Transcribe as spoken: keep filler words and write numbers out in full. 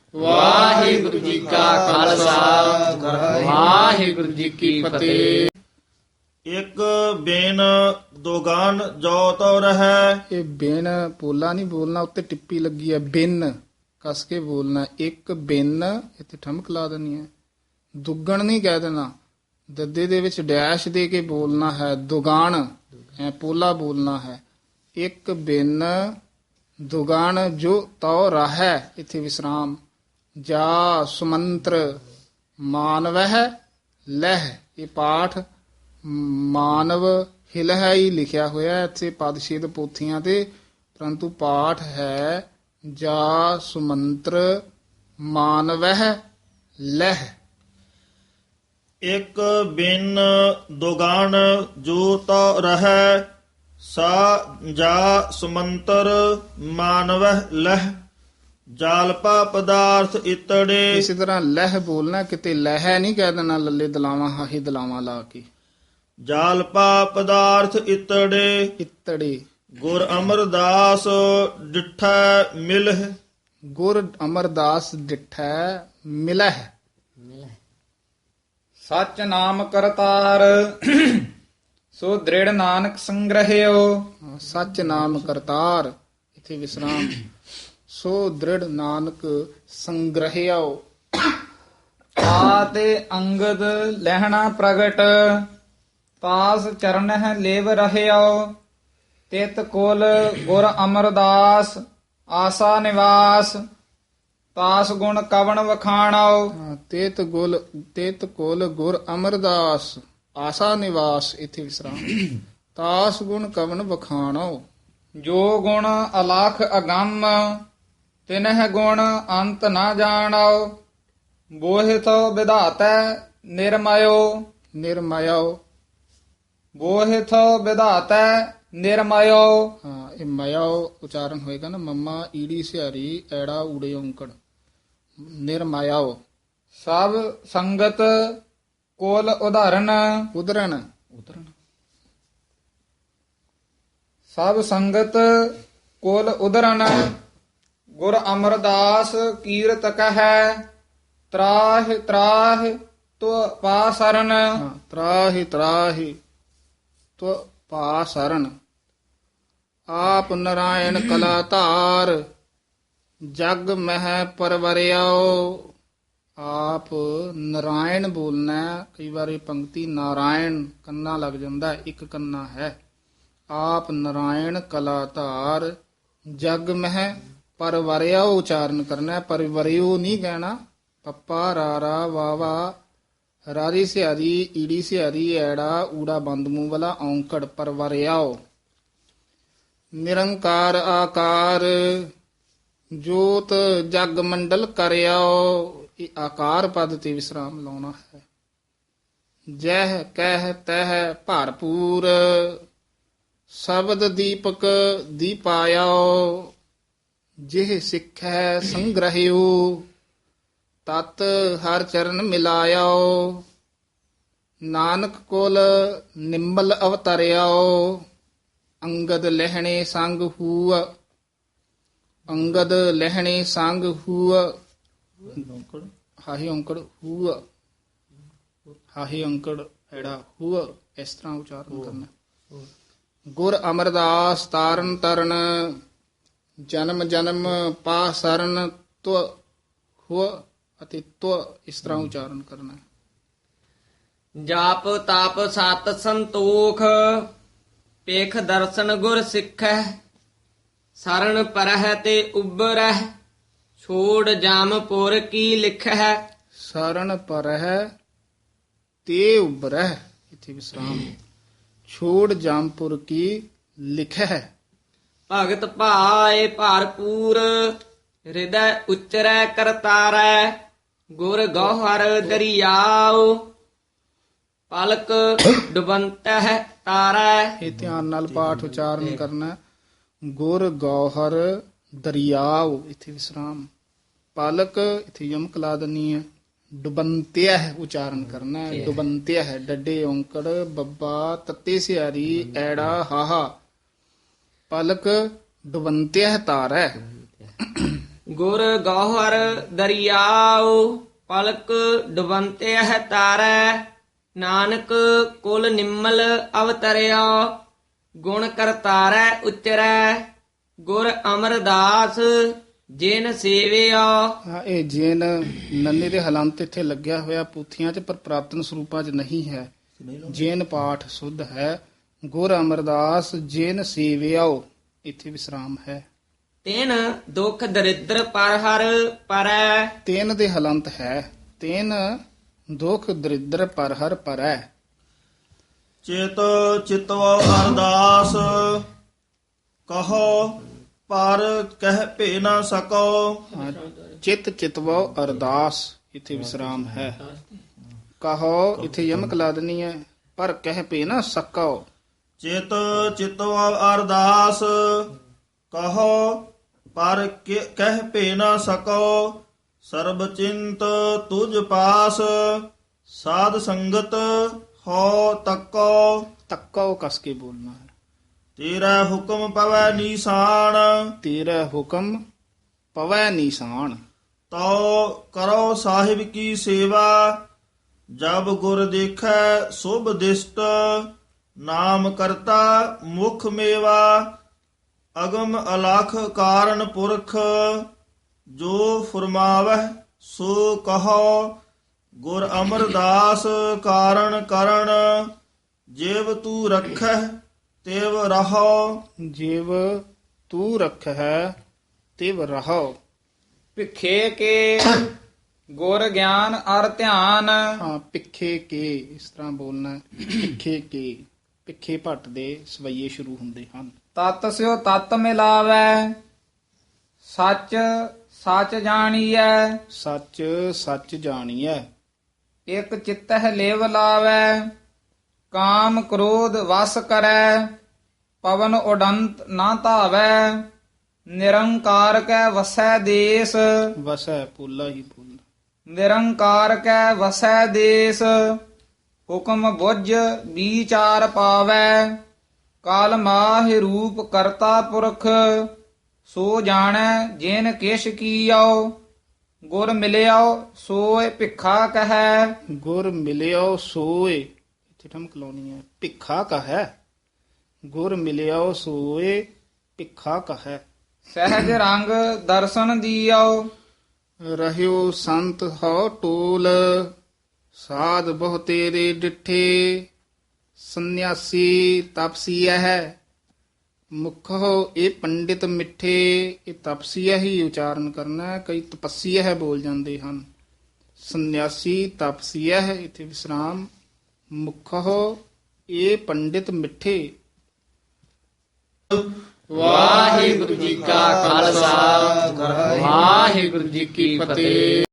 ਵਾਹਿਗੁਰੂ ਜੀ ਕਾ ਖਾਲਸਾ ਵਾਹਿਗੁਰੂ ਜੀ ਕੀ ਫਤਿਹ। ਇੱਕ ਬਿਨ ਦੋਗਾਨ ਜੋ ਤੋ ਰਹੈ। ਇਹ ਬਿਨ ਪੋਲਾ ਨਹੀਂ ਬੋਲਣਾ, ਉੱਤੇ ਟਿੱਪੀ ਲੱਗੀ ਹੈ, ਬਿਨ ਕਸ ਕੇ ਬੋਲਣਾ। ਇੱਕ ਬਿਨ ਇੱਥੇ ਠਮਕ ਲਾ ਦੇਣੀ ਹੈ, ਦੁੱਗਣ ਨਹੀਂ ਕਹਿ ਦੇਣਾ, ਦੱਦੇ ਦੇ ਵਿੱਚ ਡੈਸ਼ ਦੇ ਕੇ ਬੋਲਣਾ ਹੈ, ਦੁਗਾਨ ਐ ਪੋਲਾ ਬੋਲਣਾ ਹੈ। ਇੱਕ ਬਿਨ ਦੁਗਾਨ ਜੋ ਤਉ ਰਹੈ, ਇੱਥੇ ਵਿਸਰਾਮ। ਜਾ ਸੁਮੰਤਰ ਮਾਨਵਹਿ ਲਹਿ, ਇਹ ਪਾਠ ਮਾਨਵ ਹਿਲਹਿ ਹੀ ਲਿਖਿਆ ਹੋਇਆ ਇੱਥੇ ਪਦਛੇਦ ਪੋਥੀਆਂ ਤੇ, ਪਰੰਤੂ ਪਾਠ ਹੈ ਜਾ ਸੁਮੰਤਰ ਮਾਨਵਹਿ ਲਹਿ। ਇੱਕ ਬਿਨ ਦੋਗਾਨ ਜੋ ਤੋ ਰਹੈ। ਸਾ ਜਾ ਸੁਮੰਤਰ ਮਾਨਵਹਿ ਲਹਿ। ਜਾਲਪਾ ਪਦਾਰਥ ਇਤੜੇ। ਇਸੇ ਤਰ੍ਹਾਂ ਲਹਿ ਬੋਲਣਾ, ਕਿਤੇ ਲਹਿ ਨਹੀਂ ਕਹਿ ਦੇਣਾ ਲੱਲੇ ਦਲਾਵਾਂ ਹਾਹੀ ਦਲਾਵਾਂ ਲਾ ਕੇ। ਜਾਲਪਾ ਪਦਾਰਥ ਇਤੜੇ। ਇਤੜੇ ਗੁਰ ਅਮਰਦਾਸ ਡਿਠੈ ਮਿਲਹਿ। ਗੁਰ ਅਮਰਦਾਸ ਡਿਠੈ ਮਿਲਹਿ। ਸਚ ਨਾਮ ਕਰਤਾਰ ਸੋ ਦ੍ਰਿੜ ਨਾਨਕ ਸੰਗ੍ਰਹਿਓ। ਸੱਚ ਨਾਮ ਕਰਤਾਰ, ਇਥੇ ਵਿਸਰਾਮ। ਸੋ ਦ੍ਰਿੜ ਨਾਨਕ ਸੰਗ੍ਰਹਿਓ। ਆਤੇ ਅੰਗਦ ਲਹਿਣਾ ਪ੍ਰਗਟ ਤਾਸ ਚਰਨ ਹੈ ਲੇਵ ਰਹਿਓ। ਤਿਤ ਕੁਲ ਗੁਰ ਅਮਰਦਾਸ ਆਸਾ ਨਿਵਾਸ ਤਾਸ ਗੁਣ ਕਵਣ ਵਖਾਣਾਓ। ਹਾਂ, ਤੇਤ ਗੁਲ ਤੇਤ ਕੋਲ ਗੁਰ ਅਮਰਦਾਸ ਆਸਾ ਨਿਵਾਸ, ਇਥੇ ਵਿਸਰਾਮ। ਤਾਸ ਗੁਣ ਕਵਨ ਵਖਾਣੋ। ਜੋ ਗੁਣ ਅਲਖ ਅਗੰਮ ਤਿਨਹਿ ਗੁਣ ਅੰਤ ਨਾ ਜਾਣਾਓ। ਬੋਹਿਥੋ ਵਿਧਾਤੈ ਨਿਰਮਯੋ। ਨਿਰਮਯੋ, ਬੋਹਿਥੋ ਵਿਧਾਤੈ ਨਿਰਮਯੋ। ਹਾਂ, ਇਹ ਮਯੋ ਉਚਾਰਨ ਹੋਏਗਾ ਨਾ, ਮੰਮਾ ਈੜੀ ਸਿਹਾਰੀ ਐੜਾ ਊੜੇ ਔਂਕੜ। ਨਿਰਮਯੋ। ਸਭ ਸੰਗਤ ਕੋਲ ਉਦਾਹਰਨ ਉਦਰਨ ਉਦਰਨ ਸਭ ਸੰਗਤ ਕੋਲ ਉਦਰਨ ਗੁਰ ਅਮਰਦਾਸ ਕੀਰਤ ਕਹੈ। ਤਰਾਹ ਤਰਾਹ ਤੋ ਪਾਸਰਨ। ਹਾਂ, ਤਰਾਹਿ ਤਰਾਹਿ ਤੋ ਪਾਸਰਨ। ਆਪ ਨਰਾਇਣ ਕਲਾ ਧਾਰ ਜਗ ਮਹਿ ਪਰਵਰਿਆਓ। ਆਪ ਨਰਾਇਣ ਬੋਲਣਾ ਹੈ। ਕਈ ਵਾਰ ਇਹ ਪੰਕਤੀ ਨਾਰਾਇਣ ਕੰਨਾ ਲੱਗ ਜਾਂਦਾ, ਇੱਕ ਕੰਨਾ ਹੈ। ਆਪ ਨਰਾਇਣ ਕਲਾ ਧਾਰ ਜਗ ਮਹਿ ਪਰਵਰਿਆਓ ਉਚਾਰਨ ਕਰਨਾ ਹੈ, ਪਰਵਰਿਓ ਨਹੀਂ ਕਹਿਣਾ। ਪੱਪਾ ਰਾਰਾ ਵਾਵਾ ਰਾਰੀ ਸਿਹਾਰੀ ਈੜੀ ਸਿਹਾਰੀ ਐੜਾ ਊੜਾ ਬੰਦ ਮੂੰਹ ਵਾਲਾ ਔਂਕੜ, ਪਰਵਰਿਆਓ। ਨਿਰੰਕਾਰ ਆਕਾਰ ਜੋਤ ਜਗ ਮੰਡਲ ਕਰਿਆਓ। ਇਹ ਆਕਾਰ ਪਦ ਤੇ ਵਿਸਰਾਮ ਲਾਉਣਾ ਹੈ। ਜਹ ਕਹਿ ਤਹ ਭਰਪੂਰ ਸ਼ਬਦ ਦੀਪਕ ਦੀਪਾਇਓ। ਜਿਹ ਸਿੱਖੈ ਸੰਗ੍ਰਹਿਓ ਤਤ ਹਰ ਚਰਨ ਮਿਲਾਇਓ। ਨਾਨਕ ਕੋਲ ਨਿੰਮਲ ਅਵਤਰਿਆਓ। ਅੰਗਦ ਲਹਿਣੇ ਸੰਗ ਹੂਅ। ਅੰਗਦ ਲਹਿਣੇ ਸੰਗ ਹੂਅ। ਹਾਹੀ ਔਂਕੜ ਹੂਅ, ਹਾਹੀ ਔਂਕੜ ਐੜਾ ਹੂਅ, ਇਸ ਤਰ੍ਹਾਂ ਉਚਾਰਨ ਕਰਨਾ। ਗੁਰ ਅਮਰਦਾਸ ਤਾਰਨ ਤਰਨ ਜਨਮ ਜਨਮ ਪਾ ਸਰਨ ਤੁ ਹੁ ਅਤੇ ਤੁ, ਇਸ ਤਰ੍ਹਾਂ ਉਚਾਰਨ ਕਰਨਾ। ਜਾਪ ਤਾਪ ਸਤ ਸੰਤੋਖ ਪੇਖ ਦਰਸ਼ਨ ਗੁਰ ਸਿੱਖੈ। ਸਰਣ ਪਰਹਿ ਤੇ ਉਬਰਹਿ ਛੋੜ ਜਾਮਪੁਰ ਕੀ ਲਿਖੈ। ਸਰਣ ਪਰਹਿ ਤੇ ਉਬਰਹਿ, ਇਥੇ ਵਿਸਰਾਮ। ਛੋੜ ਜਾਮਪੁਰ ਕੀ ਲਿਖੈ। ਭਗਤ ਭਾਏ ਭਰਪੂਰ ਹਿਰਦੈ ਉਚਰੈ ਕਰਤਾਰੈ। ਗੁਰ ਗੋਹਰ ਦਰਿਆਉ ਪਲਕ ਡੁਬੰਤਹਿ ਤਾਰੈ। ਇਹ ਧਿਆਨ ਨਾਲ ਪਾਠ ਉਚਾਰਨ ਕਰਨਾ। ਗੁਰ ਗੌਹਰ ਦਰਿਆਉ, ਇਥੇ ਵਿਸਰਾਮ। ਪਲਕ ਇਥੇ ਯਮਕ ਲਾ ਦੇਣੀ ਹੈ। ਡੁਬੰਤਿਆ ਉਚਾਰਨ ਕਰਨਾ ਹੈ। ਡੁਬੰਤਿਆ ਹੈ, ਡੱਡੇ ਔਂਕੜ ਬੱਬਾ ਤੱਤੇ ਸਿਆਰੀ ਐੜਾ ਹਾਹਾ। ਪਲਕ ਡੁਬੰਤਿਆ ਤਾਰੈ। ਗੁਰ ਗੌਹਰ ਦਰਿਆਉ ਪਲਕ ਡੁਬੰਤੇ ਹੈ ਤਾਰੈ ਨਾਨਕ ਕੁਲ ਨਿੰਮਲ ਅਵਤਰਿਆ ਗੁਣ ਕਰਤਾਰੈ ਉਚਰੈ ਗੁਰ ਅਮਰਦਾਸ ਜਿਨ ਸੇਵਿਆ। ਹਾਂ, ਇਹ ਜੇਨ ਨੰਨੇ ਦੇ ਹਲੰਤ ਇੱਥੇ ਲੱਗਿਆ ਹੋਇਆ ਪੂਥੀਆਂ 'ਚ, ਪਰ ਪ੍ਰਾਤਨ ਸਰੂਪਾਂ 'ਚ ਨਹੀਂ ਹੈ। ਜੇਨ ਪਾਠ ਸੁਧ ਹੈ। ਗੁਰ ਅਮਰਦਾਸ ਜਿਨ ਸੇਵਿਆਓ, ਇੱਥੇ ਵਿਸਰਾਮ ਹੈ। ਤਿਨ ਦੁਖ ਦਰਿਦਰ ਪਰ ਹਰ ਪਰੈ ਤੇਨ ਦੇ ਹਲੰਤ ਹੈ। ਤੇਨ ਦੁਖ ਦਰਿਦਰ ਪਰ ਹਰ ਪਰੈ। ਚਿਤ ਚਿਤਵ ਅਰਦਾਸ ਕਹੋ ਪਰ ਕਹਿ ਭੇ ਨਾ ਸਕੋ। ਹਾਂ, ਚਿਤ ਚਿਤਵੋ ਅਰਦਾਸ, ਇੱਥੇ ਵਿਸਰਾਮ ਹੈ। ਕਹੋ, ਇੱਥੇ ਯਮਕ ਲਾ ਦੇਣੀ ਹੈ। ਪਰ ਕਹਿ ਪੇ ਨਾ ਸਕੋ। ਚਿਤ ਚਿਤਵ ਅਰਦਾਸ ਕਹੋ ਪਰ ਕਿ- ਕਹਿ ਭੇ ਨਾ ਸਕੋ। ਸਰਬ ਚਿੰਤ ਤੁਝ ਪਾਸ ਸਾਧ ਸੰਗਤ ਹੋ ਤੱਕੋ। ਤੱਕੋ ਕਸ ਕੇ ਬੋਲਣਾ ਹੈ। ਤੇਰਾ ਹੁਕਮ ਪਵੈ ਨੀਸਾਨ ਤੇਰਾ ਹੁਕਮ ਪਵੈ ਨੀਸਾਨ। ਤੋ ਕਰੋ ਸਾਹਿਬ ਕੀ ਸੇਵਾ ਜਬ ਗੁਰ ਦੇਖੈ ਸੁਭ ਦਿਸ਼ਟ ਨਾਮ ਕਰਤਾ ਮੁਖ ਮੇਵਾ। ਅਗਮ ਅਲਖ ਕਾਰਨ ਪੁਰਖ ਜੋ ਫਰਮਾਵਹਿ ਸੋ ਕਹੋ। ਗੁਰ ਅਮਰਦਾਸ ਕਾਰਨ ਕਰਨ ਜਿਵ ਤੂੰ ਰੱਖਹਿ ਤਿਵ ਰਹੋ। ਜਿਵ ਤੂੰ ਰਖੈ ਤਿਵ ਰਹੋ। ਭਿਖੇ ਕੇ ਗੁਰ ਗਿਆਨ ਅਰ ਧਿਆਨ ਹਾਂ, ਪਿੱਖੇ ਕੇ ਇਸ ਤਰ੍ਹਾਂ ਬੋਲਣਾ ਹੈ। ਪਿੱਖੇ ਕੇ, ਪਿੱਖੇ ਭੱਟ ਦੇ ਸਵਈਏ ਸ਼ੁਰੂ ਹੁੰਦੇ ਹਨ। ਤਤ ਸਿਓ ਤਤ ਮਿਲਾਵੈ ਸੱਚ ਸੱਚ ਜਾਣੀਐ ਸੱਚ ਸੱਚ ਜਾਣੀਐ। ਇਕ ਚਿਤਹਿ ਲੇਵ ਲਾਵੈ ਕਾਮ ਕ੍ਰੋਧ ਵਸ ਕਰੈ ਪਵਨ ਉਡੰਤ ਨਾ ਧਾਵੈ ਨਿਰੰਕਾਰ ਕੈ ਵਸੈ ਦੇਸ। ਵਸੈ ਪੋਲਾ ਹੀ ਬੋਲਣਾ। ਨਿਰੰਕਾਰ ਕੈ ਵਸੈ ਦੇਸ ਹੁਕਮ ਬੁੱਝ ਵਿਚਾਰ ਪਾਵੈ ਕਾਲ ਮਾਹਿ ਰੂਪ ਕਰਤਾ ਪੁਰਖ ਸੋ ਜਾਣੈ ਜਿਨ ਕਿਛ ਕੀਓ ਗੁਰ ਮਿਲਿਓ ਸੋਇ ਭਿਖਾ ਕਹੈ। ਗੁਰ ਮਿਲਿਓ ਸੋਏ, ਇੱਥੇ ਠਮਕ ਲਾਉਣੀ ਹੈ। ਭਿਖਾ ਕਹੈ। ਗੁਰ ਮਿਲਿਓ ਸੋਏ ਭਿਖਾ ਕਹੈ। ਸਹਿਜ ਰੰਗ ਦਰਸ਼ਨ ਦੀਓ ਰਹਿਓ ਸੰਤ ਹੋ ਟੋਲ ਸਾਧ ਬਹੁ ਤੇਰੇ ਡਿਠੇ। ਸੰਨਿਆਸੀ ਤਪਸੀਆ ਹੈ ਮੁਖੋ ਇਹ ਪੰਡਿਤ ਮਿੱਠੇ। ਇਹ ਤਪਸੀਆ ਹੀ ਉਚਾਰਨ ਕਰਨਾ ਹੈ। ਕਈ ਤਪਸੀਆ ਹੈ ਬੋਲ ਜਾਂਦੇ ਹਨ। ਸੰਨਿਆਸੀ ਤਪਸੀਆ ਹੈ, ਇੱਥੇ ਵਿਸਰਾਮ। ਮੁਖੋ ਇਹ ਪੰਡਿਤ ਮਿੱਠੇ। ਵਾਹਿਗੁਰੂ ਜੀ ਕਾ ਖਾਲਸਾ ਵਾਹਿਗੁਰੂ ਜੀ ਕੀ ਫਤਿਹ।